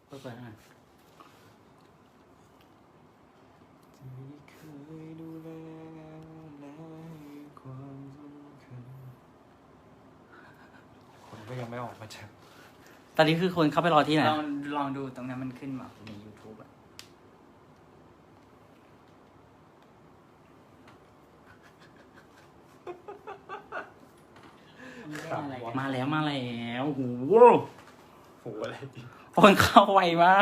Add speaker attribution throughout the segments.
Speaker 1: เปิดอ่ะ
Speaker 2: คนก็ยังไม่ออกมาจาก
Speaker 1: ตอนนี้คือคนเข้าไปรอที่ไหน
Speaker 3: ลองดูตรงนั้นมันขึ้นมาใน YouTube อะอะไรกัน
Speaker 1: มาแล้วโอ้โห
Speaker 2: โหอะไรดิ
Speaker 1: คนเข้าไวมาก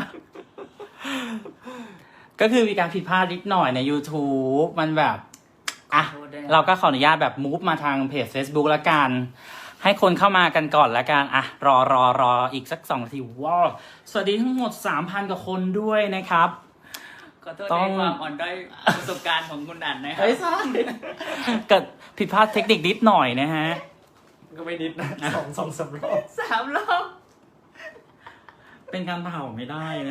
Speaker 1: ก็คือมีการผิดพลาดนิดหน่อยใน YouTube มันแบบอ่ะ
Speaker 3: ขอโทษด้วยนะ
Speaker 1: เราก็ขออนุญาตแบบมูฟมาทางเพจ Facebook แล้วกัน ให้คนเข้ามากันก่อนแล้วกันอ่ะรออีกสัก2 นาทีว้าวสวัสดีทั้งหมด 3,000 กว่าคนด้วยนะครับ
Speaker 3: ขอโทษ
Speaker 1: ต้
Speaker 3: ใน
Speaker 1: อง
Speaker 3: ความอ่อนด้อยประสบการณ์ของคุณอันนะครั
Speaker 1: เฮ้ยใช่เกิดผิดพลาดเทคนิคนิดหน่อยนะฮะ
Speaker 2: ก็ไม่นิดนะสองสามรอบ
Speaker 3: 3 รอบ
Speaker 1: เป็นการเผาไม่ได้นะ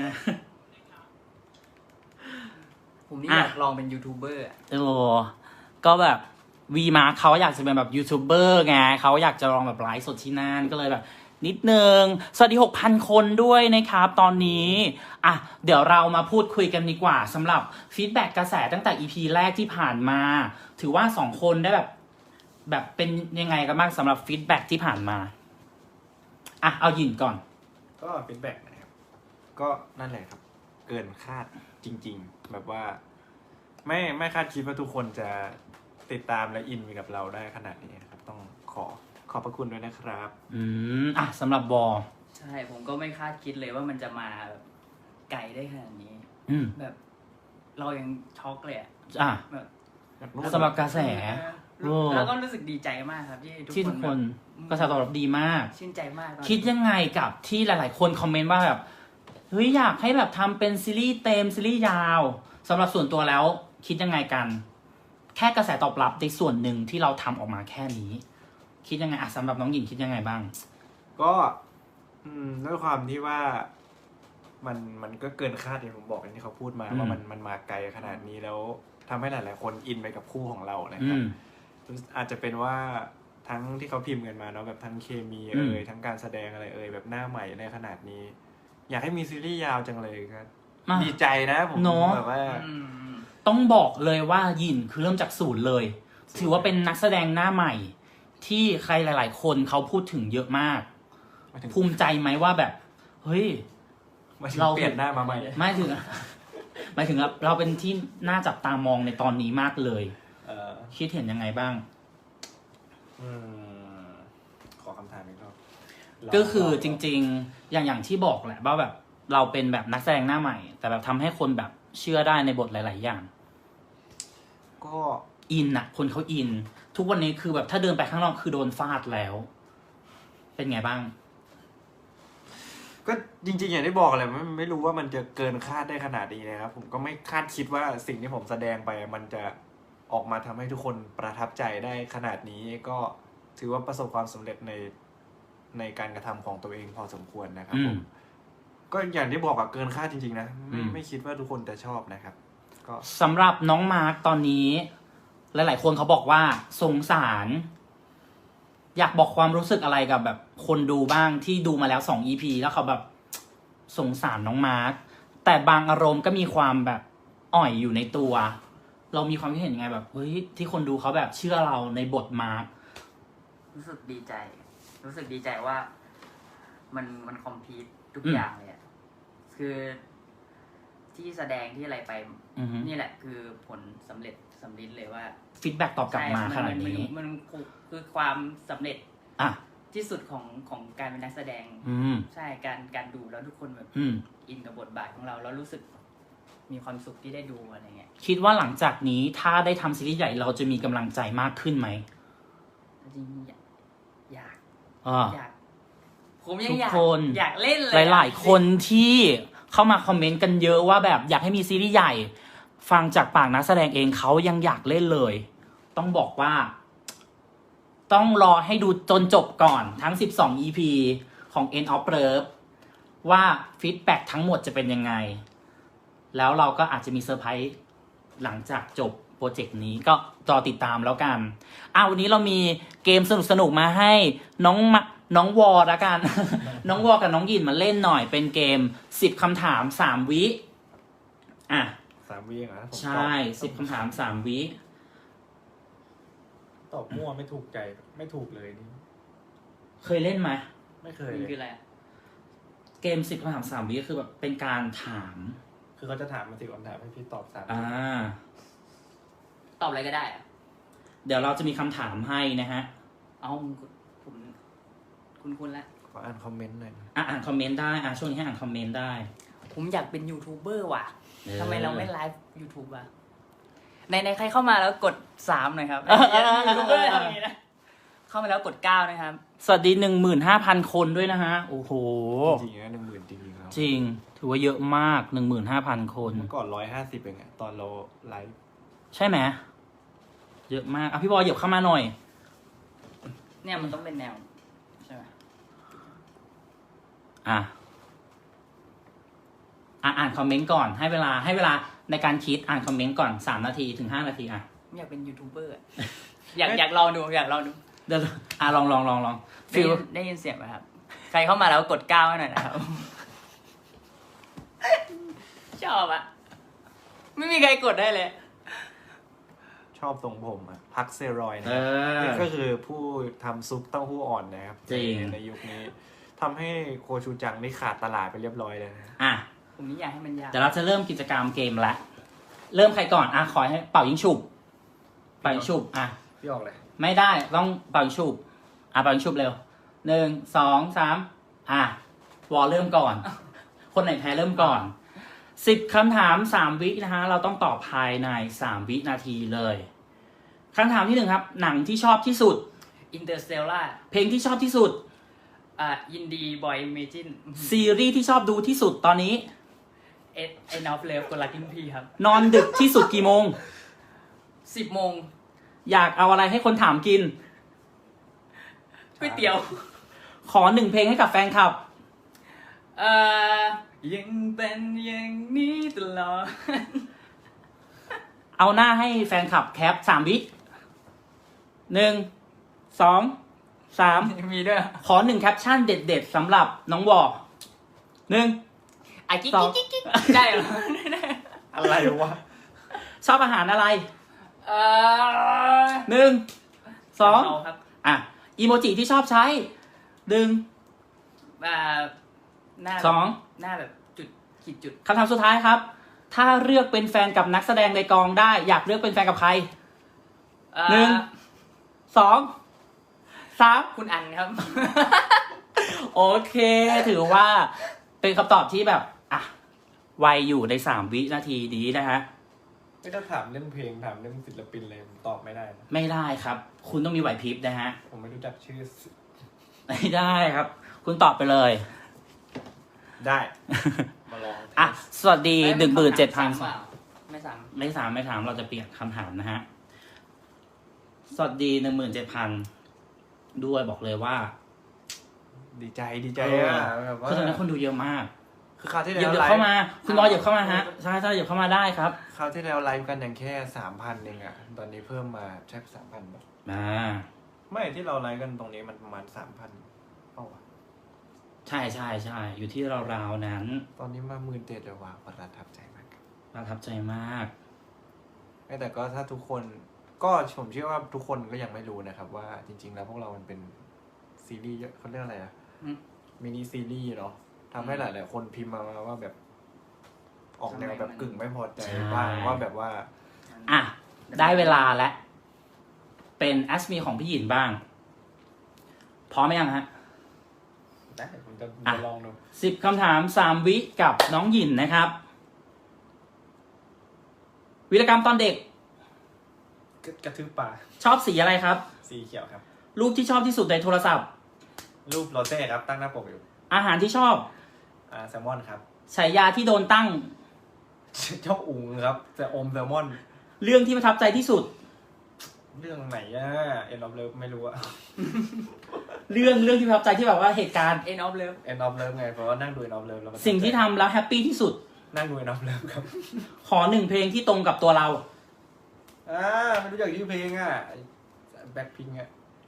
Speaker 3: ผมนี่
Speaker 1: อ่ะ
Speaker 3: อยากลองเป็นยูทูบเบอร์อะ
Speaker 1: ก็แบบวีมาเขาอยากจะเป็นแบบยูทูบเบอร์ไงเขาอยากจะลองแบบไลฟ์สดที่นั่นก็เลยแบบนิดนึงสวัสดี 6,000 คนด้วยนะครับตอนนี้อ่ะเดี๋ยวเรามาพูดคุยกันดีกว่าสำหรับฟีดแบ็กกระแสตั้งแต่ EP แรกที่ผ่านมา ถือว่า2 คนได้แบบเป็นยังไงกันบ้างสำหรับฟีดแบ็กที่ผ่านมาอ่ะเอาหยินก่อน
Speaker 2: ก็ฟีดแบ็กนะครับก็นั่นแหละครับ เกินคาดจริง ๆ แบบว่า ไม่คาดคิดว่าทุกคนจะติดตามและอินไปกับเราได้ขนาดนี้นะครับ ต้องขอบพระคุณด้วยนะครับ
Speaker 1: อ่ะสำหรับบอ
Speaker 3: ใช่ผมก็ไม่คาดคิดเลยว่ามันจะมาแบบไกลได้ขนาดนี้
Speaker 1: อืม
Speaker 3: แบบ เรายังช็อกเลยอะ
Speaker 1: อ่ะ
Speaker 3: แบบ
Speaker 1: สำหรับกระแส โอ้
Speaker 3: แล้วก็รู้สึกดีใจมากครับ ที่
Speaker 1: ที่ทุกคน
Speaker 3: แบบ
Speaker 1: กระแสตอบรับดีมาก
Speaker 3: ชื่นใจมากตอน
Speaker 1: คิดยังไงกับที่หลาย ๆ คนคอมเมนต์ว่าแบบเฮ้ยอยากให้แบบทำเป็นซีรีส์เต็มซีรีส์ยาวสำหรับส่วนตัวแล้ว คิดยังไงกัน แค่กระแสตอบรับในส่วนหนึ่งที่เราทำออกมาแค่นี้ คิดยังไงอ่ะสำหรับน้องหญิงคิดยังไงบ้าง
Speaker 2: ก็ด้วยความที่ว่ามันก็เกินคาดอย่างผมบอกอย่างที่เขาพูดมา
Speaker 1: อืม
Speaker 2: ว่ามันมาไกลขนาดนี้แล้วทำให้หลายๆคนอินไปกับคู่ของเรานะค
Speaker 1: อื
Speaker 2: รับ
Speaker 1: ม
Speaker 2: อาจจะเป็นว่าทั้งที่เขาพิมพ์กันมาเนาะแบบทั้งเคมี
Speaker 1: อืม
Speaker 2: ทั้งการแสดงอะไรแบบหน้าใหม่ในขนาดนี้ อยากให้มีซีรีส์ยาวจังเลยครับ
Speaker 1: มา
Speaker 2: ดีใจนะผม
Speaker 1: เนอะ
Speaker 2: แบบว่า
Speaker 3: อืม
Speaker 1: ต้องบอกเลยว่าหยินคือเริ่มจากศูนย์เลย ถือว่าเป็นนักแสดงหน้าใหม่ ที่ใครหลาย ๆ คนเขาพูดถึงเยอะมาก
Speaker 2: มาถึง
Speaker 1: ภูมิใจไหมว่าแบบเฮ้ย
Speaker 2: มาถึง
Speaker 1: เรา
Speaker 2: เปลี่ยนหน้ามาใหม่
Speaker 1: ไม่ถึง หมายถึงเราเป็นที่น่าจับตามองในตอนนี้มากเลย
Speaker 2: เอ่อ
Speaker 1: คิดเห็นยังไงบ้าง
Speaker 2: อืมขอคำถามอีกรอบ
Speaker 1: ก็คือจริงๆ อย่างที่บอกแหละว่าแบบเราเป็นแบบนักแสดงหน้าใหม่ แต่แบบทำให้คนแบบเชื่อได้ในบทหลาย ๆ อย่าง
Speaker 2: ก็
Speaker 1: อินอะคนเขาอิน ทุกวันนี้คือแบบถ้าเดินไปข้างนอกคือโดนฟาดแล้ว เป็นไงบ้าง
Speaker 2: ก็จริงๆอย่างที่บอกแหละไม่รู้ว่ามันจะเกินคาดได้ขนาดนี้นะครับผมก็ไม่คาดคิดว่าสิ่งที่ผมแสดงไปมันจะออกมาทำให้ทุกคนประทับใจได้ขนาดนี้ก็ถือว่าประสบความสำเร็จในการกระทำของตัวเองพอสมควรนะครับผม ก็อย่างที่บอกอะเกินคาดจริงๆนะไม่คิดว่าทุกคนจะชอบนะครับ ก็
Speaker 1: สำหรับน้องมาร์กตอนนี้ หลาย ๆ คนเขาบอกว่าสงสาร อยากบอกความรู้สึกอะไรกับแบบคนดูบ้างที่ดูมาแล้ว2 EP แล้วเขาแบบสงสารน้องมาร์กแต่บางอารมณ์ก็มีความแบบอ่อยอยู่ในตัว เรามีความคิดเห็นยังไงแบบเฮ้ยที่คนดูเขาแบบเชื่อเราในบทมาร์ก
Speaker 3: รู้สึกดีใจ รู้สึกดีใจว่า มันคอมพลีททุก
Speaker 1: อืม
Speaker 3: อย่างเลยอะคือที่แสดงที่อะไรไป
Speaker 1: อือฮึ
Speaker 3: นี่แหละคือผลสำเร็จสำลิดเลยว่า
Speaker 1: ฟีดแบ็กตอบกลับมาขนาดนี้
Speaker 3: มันคือความสำเร็จ
Speaker 1: อ่ะ
Speaker 3: ที่สุดของการเป็นนักแสดง
Speaker 1: อืม
Speaker 3: ใช่การดูแล้วทุกคนแบบ
Speaker 1: อืม
Speaker 3: อินกับบทบาทของเราแล้วรู้สึกมีความสุขที่ได้ดูอะไรเงี้ย
Speaker 1: คิดว่าหลังจากนี้ถ้าได้ทำซีรีส์ใหญ่เราจะมีกำลังใจมากขึ้นไหม
Speaker 3: จริงๆอยาก
Speaker 1: อ่า
Speaker 3: อยากผมยังอยาก
Speaker 1: ทุกคน
Speaker 3: อยากเล่นเลย
Speaker 1: หลาย ๆ คนที่เข้ามาคอมเมนต์กันเยอะว่าแบบอยากให้มีซีรีส์ใหญ่ ฟังจากปากนักแสดงเองเขายังอยากเล่นเลย ต้องบอกว่า ต้องรอให้ดูจนจบก่อนทั้ง12 EP ของ End of Love ว่าฟีดแบ็กทั้งหมดจะเป็นยังไง แล้วเราก็อาจจะมีเซอร์ไพรส์หลังจากจบโปรเจกต์นี้ก็รอติดตามแล้วกันวันนี้เรามีเกมสนุกๆมาให้น้องน้องวอละกัน น้องวอกับน้องหยินมาเล่นหน่อยเป็นเกม10คำถาม3วิอ่ะ
Speaker 2: 3 วิเองเหรอผม
Speaker 1: ใช่10คำถาม3วิ
Speaker 2: ตอบมั่วไม่ถูกใจไม่ถูกเลยนี่
Speaker 1: เคยเล่นไหม
Speaker 2: ไม่เคย
Speaker 3: มัน
Speaker 2: เลย
Speaker 3: คืออะไรอะ
Speaker 1: เกม10คำถาม3วิก็คือแบบเป็นการถาม
Speaker 2: คือเขาจะถามมา10 คำถามให้พี่ตอบ3
Speaker 1: อ่า
Speaker 3: ตอบอะไรก็ได้อะ
Speaker 1: เดี๋ยวเราจะมีคำถามให้นะฮะ
Speaker 3: เอาผมคุณละ
Speaker 2: ขออ่านคอมเมนต์หน่อยนะ
Speaker 1: อ่านคอมเมนต์ได้ช่วงนี้ให้อ่านคอมเมนต์ได้
Speaker 3: ผมอยากเป็นยูทูบเบอร์ว่ะ
Speaker 1: เออ
Speaker 3: ทำไมเราไม่ไลฟ์ยูทูบอ่ะในใครเข้ามาแล้วกด3หน่อยครับยูทูบเบอร์ทำอย่างนี้นะเข้ามาแล้วกด9นะครับ
Speaker 1: สวัสดี 15,000 คนด้วยนะฮะ โอ้โห
Speaker 2: จริงๆนะ10,000จริงๆแล้ว
Speaker 1: จริง ถือว่าเยอะมาก 15,000 คน
Speaker 2: เมื่อก่อน150เองอะตอนเราไลฟ์
Speaker 1: ใช่ไหมเยอะมากพี่บอยเหยียบเข้ามาหน่อย
Speaker 3: เนี่ยมันต้องเป็นแนวใช่ไหม
Speaker 1: อ่านคอมเมนต์ก่อนให้เวลาในการคิดอ่านคอมเมนต์ก่อน3 นาทีถึง 5 นาที
Speaker 3: ไม่อยากเป็นยูทูบเบอร์อะอยากลองดูอยากลองดู
Speaker 1: เดี๋ยวลอง
Speaker 3: ได้ยินเสียงไหมครับ ใครเข้ามาแล้วกด9ให้หน่อยนะครับ ชอบอะไม่มีใครกดได้เลย
Speaker 2: ชอบทรงผมอะพักเซรอยนะ
Speaker 1: เออ
Speaker 2: นี่ก็คือผู้ทำซุปเต้าหู้อ่อนนะครับ
Speaker 1: จริง
Speaker 2: ในยุคนี้ทำให้โคชูจังนี่ขาดตลาดไปเรียบร้อยเลยนะ
Speaker 1: อ่ะ
Speaker 3: ผมนี่อยากให้มันยาก
Speaker 1: เดี๋ยวเราจะเริ่มกิจกรรมเกมละเริ่มใครก่อนขอให้เป่ายิงฉุบ
Speaker 2: พี่ออกเลย
Speaker 1: ไม่ได้ต้องเป่ายิงฉุบเป่ายิงฉุบเร็ว1 2 3วอลเริ่มก่อน คนไหนแพ้เริ่มก่อน10คำถาม3วินะฮะเราต้องตอบภายใน3วินาทีเลยคำถามที่1ครับหนังที่ชอบที่สุด
Speaker 3: อินเตอร์สเตลล่า
Speaker 1: เพลงที่ชอบที่สุด
Speaker 3: อินดีบอยเมจิน
Speaker 1: ซีรีส์ที่ชอบดูที่สุดตอนนี้
Speaker 3: เอ็นอฟเลฟคนรักกินพีครับ
Speaker 1: นอนดึกที่สุดกี่โมง
Speaker 3: 10 โมง
Speaker 1: อยากเอาอะไรให้คนถามกิน
Speaker 3: ก๋วยเตี๋ยว
Speaker 1: ขอ1เพลงให้กับแฟนคลับ
Speaker 3: ยังเป็นอย่างนี้ตลอด
Speaker 1: เอาหน้าให้แฟนคลับแคป3 วิ1 2 3
Speaker 3: มีด้วย
Speaker 1: ขอ1แคปชั่นเด็ดๆสำหรับน้องวอ1
Speaker 3: กิ๊ก
Speaker 1: สอง
Speaker 3: กิ๊กกิ๊กได้เหรอ
Speaker 2: อะไรวะ
Speaker 1: ชอบอาหารอะไร
Speaker 3: เออ
Speaker 1: 1 2
Speaker 3: ครับ
Speaker 1: อีโมจิที่ชอบใช้1
Speaker 3: หน้า
Speaker 1: 2
Speaker 3: หน้าแบบจุดขีดจุด
Speaker 1: คำถามสุดท้ายครับ ถ้าเลือกเป็นแฟนกับนักแสดงในกองได้ อยากเลือกเป็นแฟนกับใคร 1 2 3
Speaker 3: คุณอันครับ
Speaker 1: โอเค ถือว่าเป็นคำตอบที่แบบไวอยู่ใน3 วินาทีนี้นะฮะ
Speaker 2: ไม่ต้องถามเรื่องเพลงถามเรื่องศิลปินเลยผมตอบไม่ได้นะ
Speaker 1: ไม่ได้ครับ คุณต้องมีไหวพริบนะฮะ
Speaker 2: ผมไม่รู้จักชื่อ
Speaker 1: ไม่ได้ครับ คุณตอบไปเลย
Speaker 2: ได้ มาลอง
Speaker 1: สวัสดี 17,000
Speaker 3: ไม่ซ้
Speaker 1: ไม่ถามเราจะเปลี่ยนคำถามนะฮะ สวัสดี 17,000 ด้วยบอกเลยว่า
Speaker 2: ดีใจอะแบบว่า
Speaker 1: คือตอนนี้คนดูเยอะมาก
Speaker 2: คือคราวที่
Speaker 1: เหยี
Speaker 2: แล้
Speaker 1: ยว บ
Speaker 2: ไล
Speaker 1: เข้า
Speaker 2: ฟ์
Speaker 1: มา คุณบอยเหยียบเข้ามาฮะ ใช่เหยียบเข้ามาได้ครับ
Speaker 2: คราวที่แล้วไลฟ์กันอย่างแค่ 3,000 เองอะตอนนี้เพิ่มมาแค่3,000แบบไม่ที่เราไลฟ์กันตรงนี้มันประมาณ 3,000เปล่าวะ
Speaker 1: ใช่อยู่ที่ราวๆนั้น
Speaker 2: ตอนนี้มา17,000แล้วว่ะประทับใจมาก
Speaker 1: ประทับใจมาก
Speaker 2: แต่ก็ถ้าทุกคนก็ผมเชื่อว่าทุกคนก็ยังไม่รู้นะครับว่าจริงๆแล้วพวกเรามันเป็นซีรีส์เขาเรียกอะไรอะมินิซีรีส์เนาะทำให้หลายๆคนพิมพ์มาว่าแบบ ออกแนวแบบกึ่งไม่พอใจบ้างว่าแบบว่า
Speaker 1: ได้เวลาแล้วเป็นแอสมีของพี่หยินบ้าง พร้อมไหมยังฮะ
Speaker 2: ได้ผมจะลองดู
Speaker 1: 10คำถาม3 วิกับน้องหยินนะครับ วีรกรรมตอนเด็ก
Speaker 2: กระทืบปลา
Speaker 1: ชอบสีอะไรครับ
Speaker 2: สีเขียวครับ
Speaker 1: รูปที่ชอบที่สุดในโทรศัพท์
Speaker 2: รูปโรเซ่ครับตั้งหน้าปกอยู่
Speaker 1: อาหารที่ชอบ
Speaker 2: แซลมอนครับ
Speaker 1: ฉายาที่โดนตั้ง
Speaker 2: เจ้าอุ๋งครับจะอมแซลมอน
Speaker 1: เรื่องที่ประทับใจที่สุด
Speaker 2: เรื่องไหนอะเอ็นออฟเลิฟไม่รู้อะ
Speaker 1: เรื่องที่ประทับใจที่แบบว่าเหตุการณ์
Speaker 3: ำ End of Love
Speaker 2: เอ็นออฟเลิฟไงเพราะว่านั่งดูเอ็นออฟเลิฟแล้ว
Speaker 1: สิ่งที่ทำแล้วแฮปปี้ที่สุด
Speaker 2: นั่งดูเอ็นออฟเลิฟครับ
Speaker 1: ขอ1เพลงที่ตรงกับตัวเรา
Speaker 2: ไม่รู้จักชื่อเพลงอะแบ็คพิงอะเค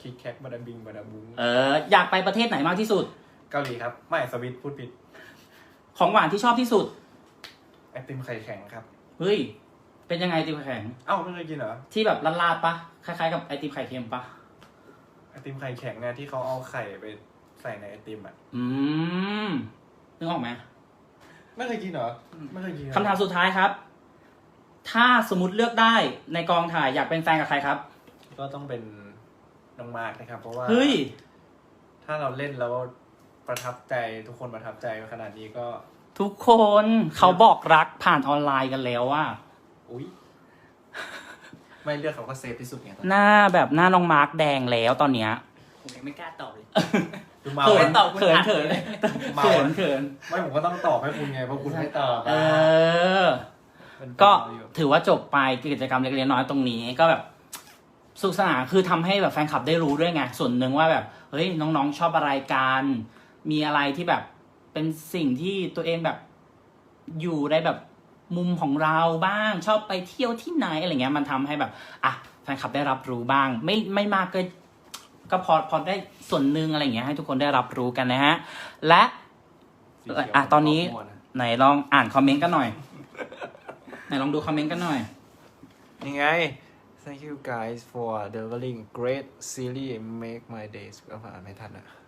Speaker 2: คิกแคกบาดาบิงบาดาบุง
Speaker 1: อยากไปประเทศไหนมากที่สุด
Speaker 2: เกาหลีครับไม่สวิตพูดผิด
Speaker 1: ของหวานที่ชอบที่สุด
Speaker 2: ไอติมไข่แข็งครับ
Speaker 1: เฮ้ย เป็นยังไงไอติมไข่แข็ง
Speaker 2: เอ้าไม่เคยกินเหรอ
Speaker 1: ที่แบบลาดๆปะคล้ายๆกับไอติมไข่เค็มปะ
Speaker 2: ไอติมไข่แข็งเนี่ยที่เขาเอาไข่ไปใส่ในไอติมอ่ะ
Speaker 1: นึกออกไหม
Speaker 2: ไม่เคยกินเหรอไม่เคยกิน
Speaker 1: คำถามสุดท้ายครับ ถ้าสมมติเลือกได้ในกองถ่ายอยากเป็นแฟนกับใครครับ
Speaker 2: ก็ต้องเป็นน้องมาร์กนะครับ เพราะว่า
Speaker 1: เฮ้ย
Speaker 2: ถ้าเราเล่นแล้วประทับใจทุกคนประทับใจขนาดนี้ก็
Speaker 1: ทุกคนเขาบอกรักผ่านออนไลน์กันแล้วว่า
Speaker 2: อุ๊ย ไม่เลือกเขาก็เซฟที่สุดไงตอนนี้
Speaker 1: หน้าแบบหน้าน้องมาร์กแดงแล้วตอนเนี้ย
Speaker 3: ผมยังไม่กล้าตอบเลย
Speaker 2: ดูเมา
Speaker 1: เขิน
Speaker 3: ตอบคุณ
Speaker 1: เขิน
Speaker 3: อัด
Speaker 1: เขิน
Speaker 3: เลย
Speaker 2: เมา
Speaker 1: เขินเขิน
Speaker 2: ไม่ผมก็ต้องตอบให้คุณไงเพราะคุณไม่ตอบ
Speaker 1: เออ
Speaker 2: เป็น
Speaker 1: ก็
Speaker 2: อยู่
Speaker 1: ถือว่าจบไปกิจกรรมเล็กๆน้อยๆตรงนี้ก็แบบสนุขสนานคือทำให้แบบแฟนคลับได้รู้ด้วยไงส่วนหนึ่งว่าแบบเฮ้ยน้องๆชอบอะไรกันมีอะไรที่แบบเป็นสิ่งที่ตัวเองแบบอยู่ในแบบมุมของเราบ้างชอบไปเที่ยวที่ไหนอะไรเงี้ยมันทำให้แบบอ่ะแฟนคลับได้รับรู้บ้าง ไม่มากก็พอได้ส่วนหนึ่งอะไรเงี้ยให้ทุกคนได้รับรู้กันนะฮะและ
Speaker 2: สีเขียว
Speaker 1: ตอนนี้
Speaker 2: ม่วงะ
Speaker 1: ไหนลองอ่านคอมเมนต์กันหน่อย ไหนลองดูคอมเมนต์กันหน่อย
Speaker 2: ยังไง Thank you guys for delivering great series make my days ก็อ่านไม่ทันอะ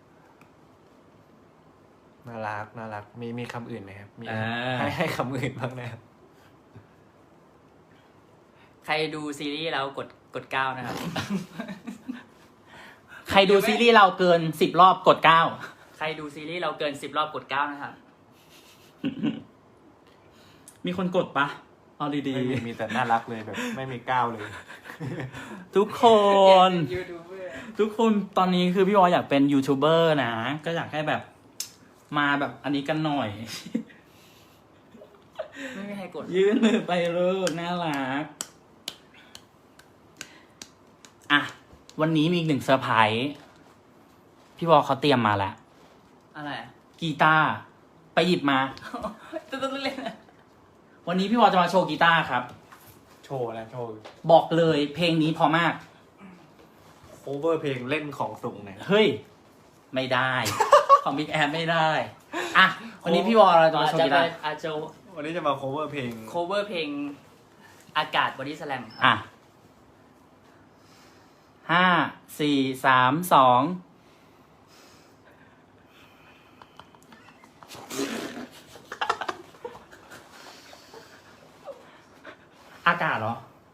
Speaker 2: น่ารักมีคำอื่นไหมครับมี ให้คำอื่นบ้างนะครับ
Speaker 3: ใครดูซีรีส์แล้วกด9นะครับ
Speaker 1: ใครดูซีรีส์เราเกิน10 รอบกด
Speaker 3: ใครดูซีรีส์เราเกิน10 รอบกด9นะครับ
Speaker 1: 9 มีคนกดปะเอาดี
Speaker 2: ไม่มีแต่น่ารักเลยแบบไม่มีก้าวเลย
Speaker 1: ๆ ทุกคน
Speaker 3: ยูทูบเบอร์
Speaker 1: ทุกคนตอนนี้คือพี่วออยากเป็นยูทูบเบอร์นะ ก็อยากให้แบบมาแบบอันนี้กันหน่อย
Speaker 3: ไม่มีใครกด
Speaker 1: ยื่นมือไปลูกน่ารัก อ่ะ วันนี้มีอีกหนึ่งเซอร์ไพรส์พี่วอเขาเตรียมมาแล้ว
Speaker 3: อะไรอะ
Speaker 1: กีตาร์ไปหยิบมา
Speaker 3: ต้องเล่นนะ
Speaker 1: วันนี้พี่วอจะมาโชว์กีตาร์ครับ
Speaker 2: โชว์นะโชว์
Speaker 1: บอกเลยเพลงนี้พอมาก
Speaker 2: cover เพลงเล่นของสูงเนี่ย
Speaker 1: เฮ้ย ไม่ได้ ของบิ๊กแอไม่ได้ อ่ะ วันนี้พี่วอเราจะมาโชว์กีตาร์
Speaker 3: อาจจะ
Speaker 2: วันนี้จะมา cover เพลง
Speaker 3: cover เพลงอากาศบอดี้สแลม
Speaker 1: อ่ะ 5 4 3 2 อากาศเหรอ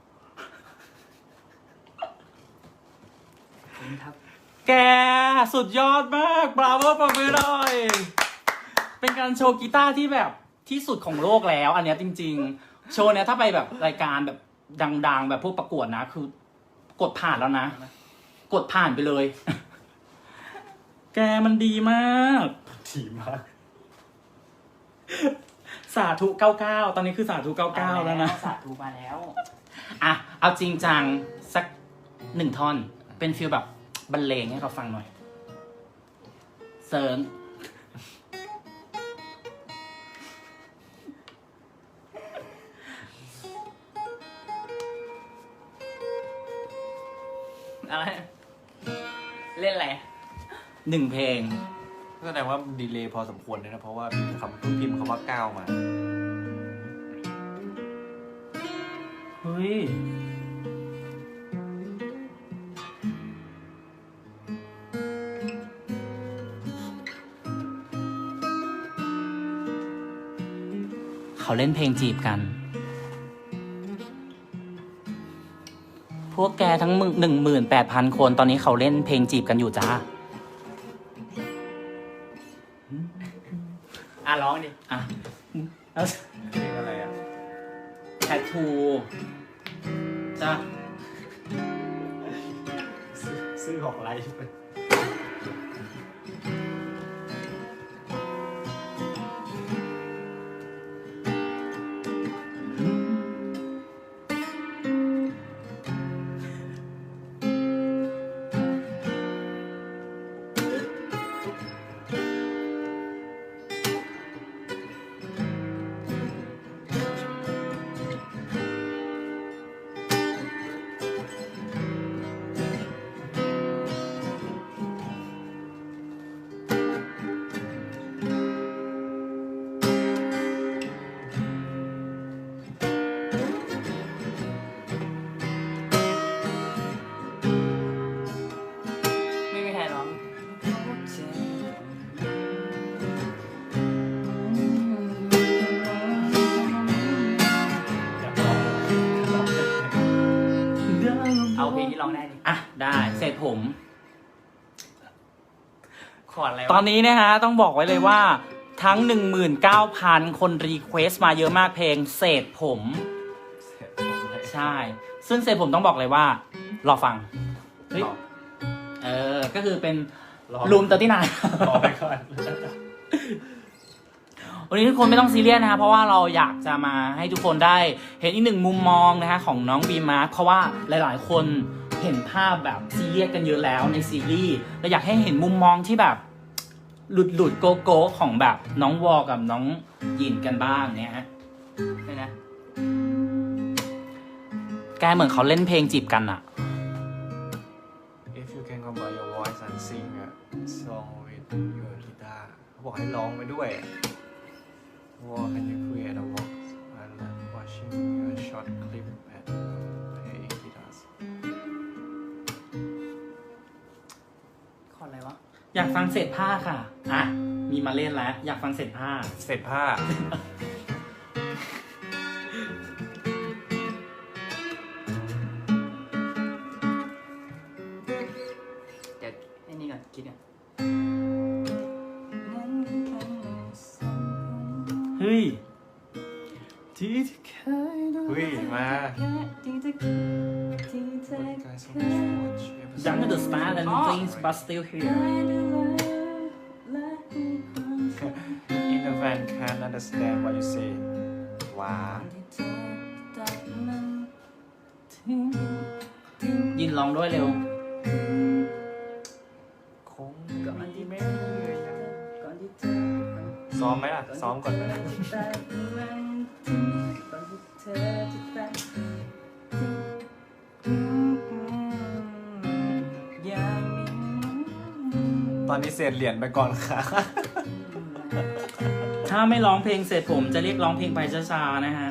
Speaker 3: ครับ
Speaker 1: แกสุดยอดมากบราโวปรบมือหน่อย เป็นการโชว์กีตาร์ที่แบบที่สุดของโลกแล้ว อันเนี้ยจริงๆ โชว์เนี้ยถ้าไปแบบรายการแบบดังๆ แบบพวกประกวดนะ คือกดผ่านแล้วนะ กดผ่านไปเลย แกมันดีมาก
Speaker 2: ถี่มาก
Speaker 1: สาธุ99 ตอนนี้คือสาธุ99 แล้วนะ
Speaker 3: สาธุมาแล้ว
Speaker 1: อ่ะ เอาจริงจังสัก1 ท่อน เป็นฟีลแบบบรรเลงให้เขาฟังหน่อย เซิร์ง
Speaker 3: อะไร เล่นอะไร
Speaker 1: 1 เพลง
Speaker 2: แสดงว่าดีเลย์พอสมควรเลยนะ เพราะว่าพิมพ์คำว่าก้าวมา
Speaker 1: เฮ้ย เขาเล่นเพลงจีบกัน พวกแกทั้ง18,000 คนตอนนี้เขาเล่นเพลงจีบกันอยู่จ้า
Speaker 3: ร้องดิ
Speaker 1: อ่ะแล้ว
Speaker 2: เพลงอะไรอ่ะ
Speaker 1: แทททูจ้า
Speaker 2: ซื้อของไลฟ์ไป
Speaker 3: นี้ร้องได้ดิ
Speaker 1: อ่ะได้เสร็จผม
Speaker 3: ขอดอะไรวะ
Speaker 1: ตอนนี้นะฮะต้องบอกไว้เลยว่าทั้ง 19,000 คนรีเควสต์มาเยอะมากเพลงเศษผม
Speaker 2: เสร็จผมเลย
Speaker 1: ใช่ ซึ่งเศษผมต้องบอกเลยว่ารอฟังเฮ้ย
Speaker 2: รอ
Speaker 1: ก็คือเป็น
Speaker 2: รอ
Speaker 1: รูม39
Speaker 2: รอไปก่อน
Speaker 1: วันนี้ทุกคนไม่ต้องซีเรียสนะคะเพราะว่าเราอยากจะมาให้ทุกคนได้เห็นอีกหนึ่งมุมมองนะคะของน้องบีมาร์คเพราะว่าหลายๆ คนเห็นภาพแบบซีเรียสกันเยอะแล้วในซีรีส์เราอยากให้เห็นมุมมองที่แบบหลุดโกโก้ของแบบน้องวอกับน้องยินกันบ้างเนี่ยฮะ
Speaker 3: เลยนะ
Speaker 1: แกเหมือนเขาเล่นเพลงจีบกันอะ
Speaker 2: If you can combine your voice and sing a song with your guitar เขาบอกให้ร้องไปด้วย What can you create a walk while watching your short clip and playing guitars
Speaker 3: ขอดอะไรวะ
Speaker 1: อยากฟังเศษผ้าค่ะอ่ะมีมาเล่นแล้วอยากฟังเศษผ้า
Speaker 2: เสร็จผ้า
Speaker 3: เดี๋ยวไอ้นี่ก่อนคิดก่อน
Speaker 1: เฮ้ย
Speaker 2: ที่เคยดูเฮ้ยมา Guys, so much watch episode.
Speaker 1: Younger the star and things but still here
Speaker 2: In the van can't understand what you say ว้า
Speaker 1: ยินร้องด้วยเร็ว
Speaker 2: คงไม่ซ้อมไหมล่ะ ซ้อมก่อนไหมตอนนี้เศษเหรียญไปก่อนค่ะ
Speaker 1: ถ้าไม่ร้องเพลงเสร็จผมจะเรียกร้องเพลงไปช้าๆนะฮะ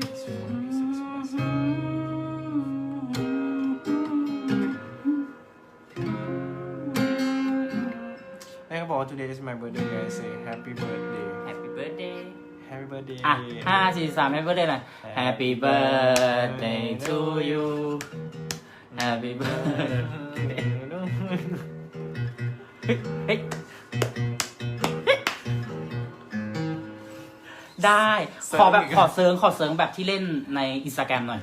Speaker 2: แม่ก็บอกว่า today is my birthday I say happy birthday
Speaker 3: Happy birthday
Speaker 2: happy birthday
Speaker 1: อ่ะ5 4 3 Happy birthday หน่อย Happy birthday to you Happy birthday เฮ้ยได้ขอแบบขอเซิร์งแบบที่เล่นใน Instagram หน่อย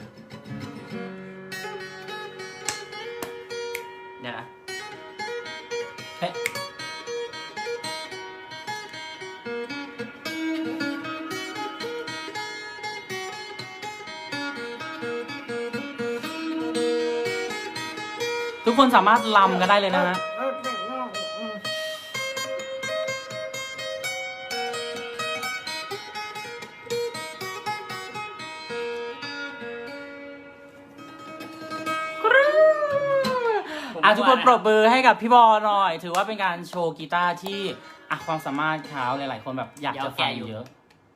Speaker 3: เดี๋ยวนะ
Speaker 1: เฮ้ยทุกคนสามารถลำกันได้เลยนะฮะ ทุกคนปรบมือให้กับพี่บอลหน่อย ถือว่าเป็นการโชว์กีตาร์ที่ความสามารถเขาหลายๆคนแบบอยากจะฟังเยอะ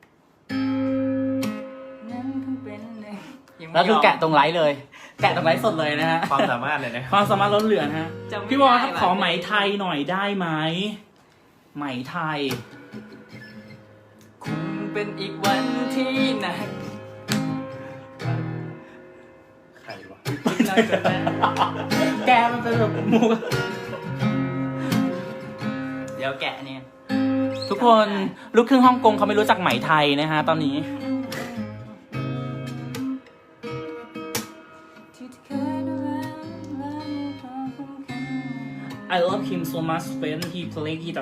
Speaker 1: แล้วคือแกะตรงไลฟ์เลย แกะตรงไลฟ์สดเลยนะฮะ
Speaker 2: ความสามารถเลยนะ
Speaker 1: ความสามารถล้นเหลือนะฮะ พี่บอลครับขอไหมไทยหน่อยได้ไหม ไหมไทย
Speaker 3: คงเป็นอีกวันที่หนัก
Speaker 2: ใครวะ
Speaker 3: น้อยกว่านั้น
Speaker 1: แกมันเป็นแบบมุก
Speaker 3: เดี๋ยวแกะเนี่ย
Speaker 1: ทุกคนลูกครึ่งฮ่องกงเขาไม่รู้จักไหมไทยนะฮะตอนนี้ I love him so much when he play guitar.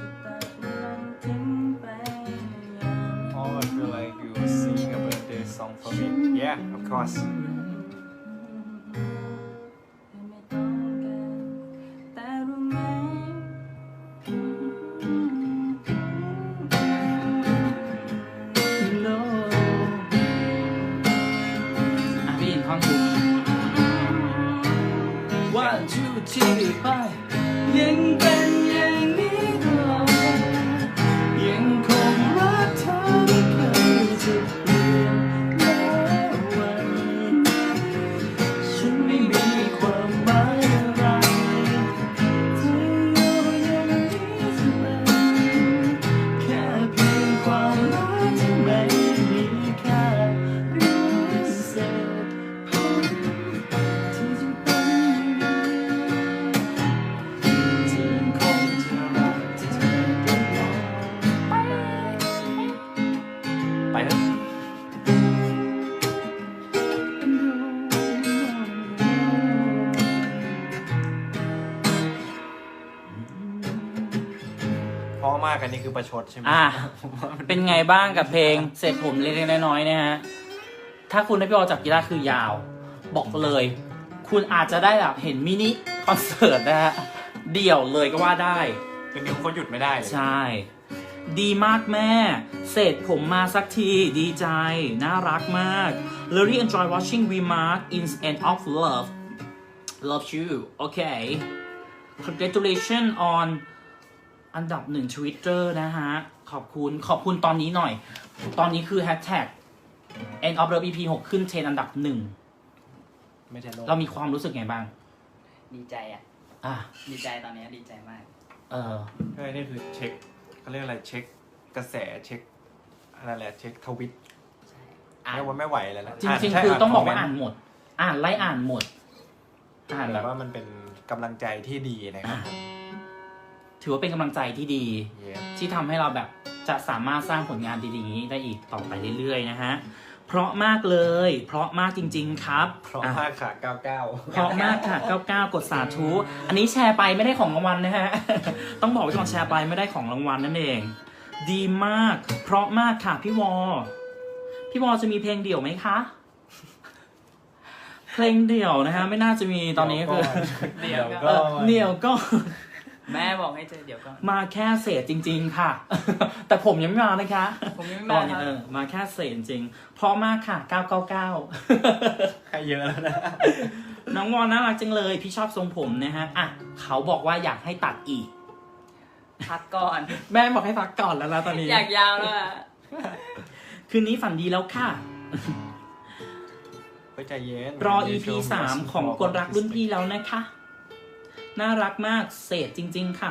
Speaker 2: Oh, I feel like you were singing a birthday song for me. Yeah, of course.
Speaker 1: พี่ยินท่อนทุก One two three five ยังเป็นอย่างนี้ตลอดยังคงรักเธอไม่เคยจะเปลี่ยนแม้วันฉันไม่มีความหมายอะไรเธออยู่อย่างนี้เสมอแค่เพียงความรักที่ไม่มีค่าหรือเศษผมที่จะเป็น
Speaker 2: ไปเถอะเพราะมากอันนี้คือประชดใช่ไหม
Speaker 1: อ่ะ
Speaker 2: ผมว่ามัน
Speaker 1: เป็นไงบ้างกับเพลงเสร็จผมเล็กๆน้อยๆนะฮะ ถ้าคุณได้พี่ออจับกีตาร์คือยาว บอกเลย คุณอาจจะได้แบบเห็นมินิคอนเสิร์ตนะฮะ เดี่ยวเลยก็ว่าได้
Speaker 2: คือนิ้วเขาหยุดไม่ได้เลย
Speaker 1: ใช่ ดีมากแม่ เสร็จผมมาสักที ดีใจ น่ารักมาก Really enjoy watching Remark in End of Love Love you okay Congratulations on อันดับหนึ่ง Twitter นะฮะ ขอบคุณตอนนี้หน่อย ตอนนี้คือ Hashtag End of Love EP 6 ขึ้นเทรนด์อันดับหนึ่ง
Speaker 2: ไม่ใช่โลก
Speaker 1: เรามีความรู้สึกไงบ้าง
Speaker 3: ดีใจอ่ะ
Speaker 1: อ่ะ
Speaker 3: ดีใจตอนนี้ดีใจมาก
Speaker 2: เฮ้ยนี่คือเช็คเขาเรียกอะไรเช็คกระแสเช็คอะไรแหละเช็คทวิต
Speaker 3: ใช่
Speaker 2: ไม่ว่าไม่ไหวแล้วนะ
Speaker 1: จริง
Speaker 2: ใช่
Speaker 1: ๆ คือต้องบอกว่า
Speaker 2: ค
Speaker 1: อ่านหมด ไล่อ่านหมด อ่าน
Speaker 2: แบ
Speaker 1: แบบ บ
Speaker 2: ว่ามันเป็นกำลังใจที่ดีนะครับ
Speaker 1: ถือว่าเป็นกำลังใจที่ดี
Speaker 2: เย้
Speaker 1: ที่ทำให้เราแบบจะสามารถสร้างผลงานดีๆนี้ได้อีกต่อไปเรื่อยๆนะฮะ เพราะมากเลย เพราะมากจริง ๆ ครับ
Speaker 2: เพราะ
Speaker 1: อ่ะ
Speaker 2: มากค่ะ99
Speaker 1: เพราะมากค่ะ 99 กดสาธุ อันนี้แชร์ไปไม่ได้ของรางวัลนะฮะ ต้องบอกไว้ก่อนแชร์ไปไม่ได้ของรางวัลนั่นเอง ดีมาก เพราะมากค่ะพี่วอจะมีเพลงเดี่ยวไหมคะ เพลงเดี่ยวนะฮะ ไม่น่าจะมีตอนนี้คือ
Speaker 2: เดี๋ยว
Speaker 1: เอ
Speaker 2: ก็
Speaker 1: อเดี่ยวก็
Speaker 3: แม่บอกให้เจอเดี๋ยวก็
Speaker 1: มาแค่เศษจริง ๆ ค่ะ แต่ผมยังไม่มานะคะ
Speaker 3: ผมยังไม่
Speaker 1: ต
Speaker 3: มา
Speaker 1: อน
Speaker 3: ค
Speaker 1: นี้
Speaker 3: รับ
Speaker 1: มาแค่เศษจริงเพราะมากค่ะ 999
Speaker 2: ให้เยอะแล้วนะ
Speaker 1: น้องวอนน่ารักจังเลย พี่ชอบทรงผมนะฮะ อ่ะ เขาบอกว่าอยากให้ตัดอีก
Speaker 3: พักก่อน
Speaker 1: แม่บอกให้พักก่อนแล้วนะตอนนี้
Speaker 3: อยากยาวแล้วอ่ะ
Speaker 1: คืนนี้ฝันดีแล้วค่ะ
Speaker 2: ไปใจเย็น
Speaker 1: รอ EP 3 ของคนรักรุ่นพี่แล้วนะคะ น่ารักมาก เศษจริง ๆ ค่ะ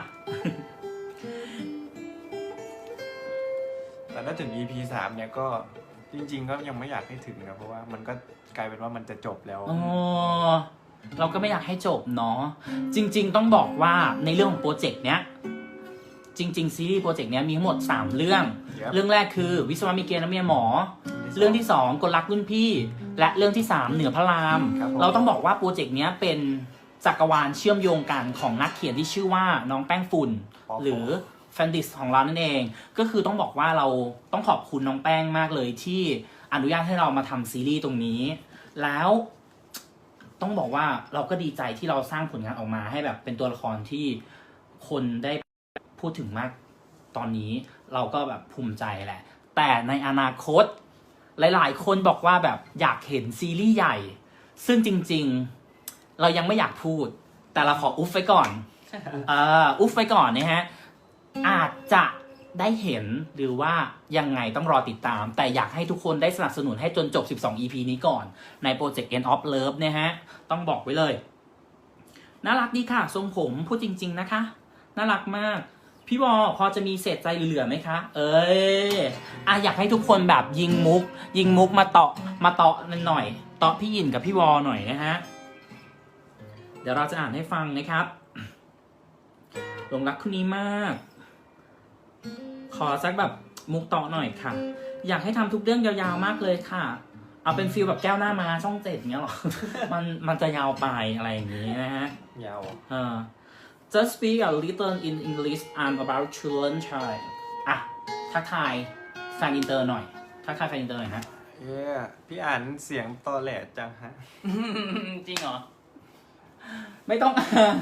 Speaker 2: แต่ถ้าถึง EP 3เนี่ยก็จริง ๆ ก็ยังไม่อยากให้ถึงนะเพราะว่ามันก็กลายเป็นว่ามันจะจบแล้ว
Speaker 1: อ๋อ เราก็ไม่อยากให้จบเนาะ จริง ๆ ต้องบอกว่าในเรื่องของโปรเจกต์เนี้ย จริง ๆ ซีรีส์โปรเจกต์เนี้ยมีทั้งหมด 3 เรื่อง
Speaker 2: Yep
Speaker 1: เรื่องแรกคือวิศวะมีเกณฑ์และเมียหมอ เรื่องที่ 2กลรักรุ่นพี่ และเรื่องที่ 3 เหนือพระราม
Speaker 2: ครับผม
Speaker 1: เราต้องบอกว่าโปรเจกต์เนี้ยเป็นจักรวาลเชื่อมโยงกันของนักเขียนที่ชื่อว่าน้องแป้งฝุ่น หรือแฟนดิสของเรานั่นเอง ก็คือต้องบอกว่าเราต้องขอบคุณน้องแป้งมากเลยที่อนุญาตให้เรามาทำซีรีส์ตรงนี้ แล้วต้องบอกว่าเราก็ดีใจที่เราสร้างผลงานออกมาให้แบบเป็นตัวละครที่คนได้พูดถึงมากตอนนี้เราก็แบบภูมิใจแหละ แต่ในอนาคตหลายๆ คนบอกว่าแบบอยากเห็นซีรีส์ใหญ่ ซึ่งจริงๆเรายังไม่อยากพูด แต่เราขออุ๊บไว้ก่อน อุ๊บไว้ก่อนนะฮะ อาจจะได้เห็นหรือว่ายังไงต้องรอติดตาม แต่อยากให้ทุกคนได้สนับสนุนให้จนจบ 12 EP นี้ก่อน ในโปรเจกต์ End of Love นะฮะ ต้องบอกไว้เลย น่ารักดีค่ะ ทรงผมพูดจริง ๆ นะคะ น่ารักมาก พี่วอพอจะมีเศษใจเหลือๆไหมคะ เอ้ยอยากให้ทุกคนแบบยิงมุกมาเตาะหน่อยเตาะพี่หยินกับพี่วอหน่อยนะฮะ เดี๋ยวเราจะอ่านให้ฟังนะครับหลงรักคนนี้มาก ขอสักแบบมุกต่อหน่อยค่ะ อยากให้ทำทุกเรื่องยาวๆมากเลยค่ะ เอาเป็นฟีลแบบแก้วหน้ามาช่อง7เงี้ยหรอ มันจะยาวไปอะไรอย่างนี้นะฮะ
Speaker 2: ยาว
Speaker 1: Just speak a little in English. I'm about to learn Thai. อ่ะทักทายแฟนอินเตอร์หน่อยทักทายแฟนอินเตอร์หน่อยฮะ
Speaker 2: เย้พี่อ่านเสียงตอแหลจังฮะ
Speaker 3: จริงเหรอ
Speaker 1: ไม่ต้องอ่าน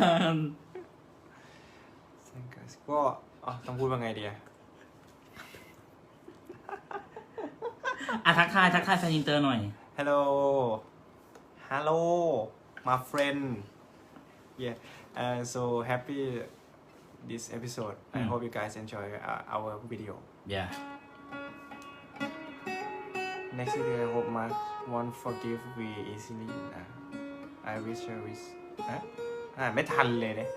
Speaker 2: ก็ต้องพูดว่าไงดีอะ
Speaker 1: ทักทายแฟนอินเตอร์หน่อย
Speaker 2: Hello my friend yeah so happy this episode I hope you guys enjoy our video
Speaker 1: Yeah
Speaker 2: next video I hope Mark won't forgive we easily I wish I wish ไม่ทันเลยเนี่ย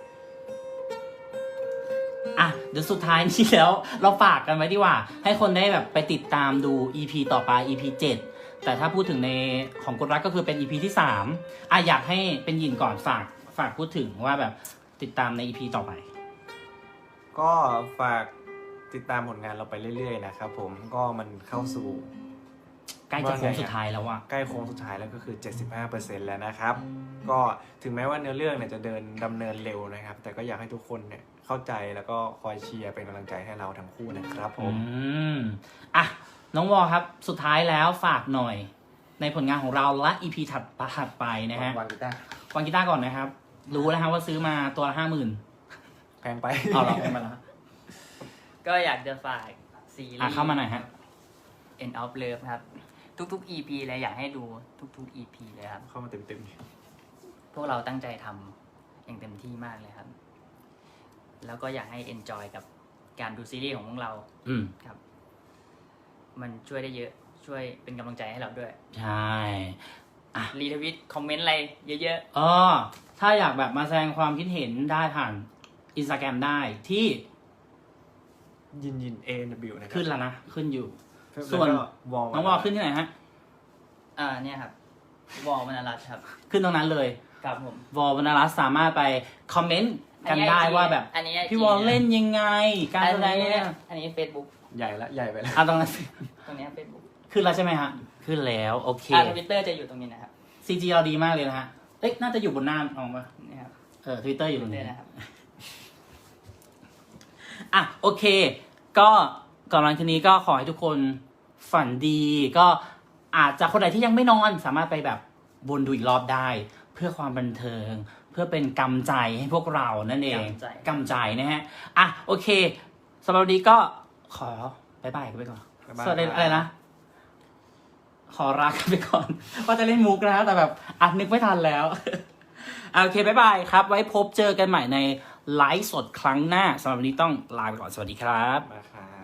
Speaker 1: เดี๋ยวสุดท้ายนี้แล้วเราฝากกันไว้ดีกว่า ให้คนได้แบบไปติดตามดู EP ต่อไป EP 7 แต่ถ้าพูดถึงในของกดรักก็คือเป็น EP ที่3อยากให้เป็นหยินก่อนฝากพูดถึงว่าแบบติดตามใน EP ต่อไป
Speaker 2: ก็ฝากติดตามผลงานเราไปเรื่อยๆนะครับผมก็มันเข้าสู่
Speaker 1: ใกล้จะโค้งสุดท้ายแล้วอะ
Speaker 2: ใกล้โค้งสุดท้ายแล้วก็คือ 75% แล้วนะครับ ก็ถึงแม้ว่าเนื้อเรื่องเนี่ยจะดำเนินเร็วนะครับ แต่ก็อยากให้ทุกคนเนี่ยเข้าใจแล้วก็คอยเชียร์เป็นกำลังใจให้เราทั้งคู่นะครับผม
Speaker 1: อ่ะน้องวอครับสุดท้ายแล้วฝากหน่อย ในผลงานของเราและ EP ถัดไปนะฮะ
Speaker 2: วางกีตาร์
Speaker 1: วางกีตาร์ก่อนนะครับ รู้แล้วฮะว่าซื้อมาตัวละ50,000
Speaker 2: แพงไป
Speaker 1: เอาเหรอเอามาแล้ว
Speaker 3: ก็อยากจะฝากซีรีส์
Speaker 1: เข้ามาหน่อยฮะ
Speaker 3: End of Love ครับ ทุกๆ EP เลยอยากให้ดูทุกๆ EP เลยครับ
Speaker 2: เข้ามาเต็ม
Speaker 3: พวกเราตั้งใจทำอย่างเต็มที่มากเลยครับ แล้วก็อยากให้ enjoy กับการดูซีรีส์ของพวกเรา
Speaker 1: อืม
Speaker 3: ครับ มันช่วยได้เยอะ ช่วยเป็นกำลังใจให้เราด้วย
Speaker 1: ใช่
Speaker 3: รีทวิตคอมเมนต์อะไรเยอะ
Speaker 1: ถ้าอยากแบบมาแสดงความคิดเห็นได้ผ่าน Instagram ได้ที่
Speaker 2: ๆยิน ANW นะครับ
Speaker 1: ขึ้นแล้วนะ ขึ้นอยู่
Speaker 2: ส่
Speaker 1: ส่
Speaker 2: ว
Speaker 1: วน น
Speaker 2: วอล
Speaker 1: น้องวอขึ้นที่ไหนฮะ
Speaker 3: เนี่ยครับ วอลมนารัตน์ครับ
Speaker 1: ขึ้นตรงนั้นเลย
Speaker 3: ครับผม
Speaker 1: วอลวรรณรัตน์สามารถไปคอมเมนต์กันได้
Speaker 3: อันนี้ IG
Speaker 1: ว่าแบบ
Speaker 3: อันนี้ IG
Speaker 1: พี่วอลเล่นยังไง การแสดงเนี่ย
Speaker 3: อันนี้ Facebook
Speaker 2: ใหญ่ไปแล้ว
Speaker 1: ตรงนั้นสิ
Speaker 3: ตรงเนี้ย Facebook
Speaker 1: ขึ้นแล้วใช่ไหมฮะ ขึ้นแล้วโอเค
Speaker 3: Twitter จะอยู่ตรงนี้นะครับ
Speaker 1: CG เราดีมากเลยนะฮะ เอ๊ะน่าจะอยู่บนหน้าออกมา
Speaker 3: นี่ครับ
Speaker 1: Twitter อยู่ตรง
Speaker 3: Twitter
Speaker 1: นี้
Speaker 3: นะครับ
Speaker 1: อ่ะโอเค ก็ก่อนหลังทีนี้ก็ขอให้ทุกคนฝันดี ก็อาจจะคนไหนที่ยังไม่นอนสามารถไปแบบวนดูอีกรอบได้ เพื่อความบันเทิง เพื่อเป็นกำลังใจให้พวกเรานั่นเอง
Speaker 3: กำลังใจ
Speaker 1: กำลังใจนะฮะอ่ะโอเคสำหรับวันนี้ก็ขอบายบายกันไปก่อน
Speaker 2: บ๊ายบาย
Speaker 1: สวัสดีอะไรนะ ขอรักกันไปก่อน ว่าจะเล่นมุกนะแต่แบบนึกไม่ทันแล้ว โอเคบายบายครับ ไว้พบเจอกันใหม่ในไลฟ์สดครั้งหน้าสำหรับวันนี้ต้องลาไปก่อนสวัสดีครับ
Speaker 2: มาครับ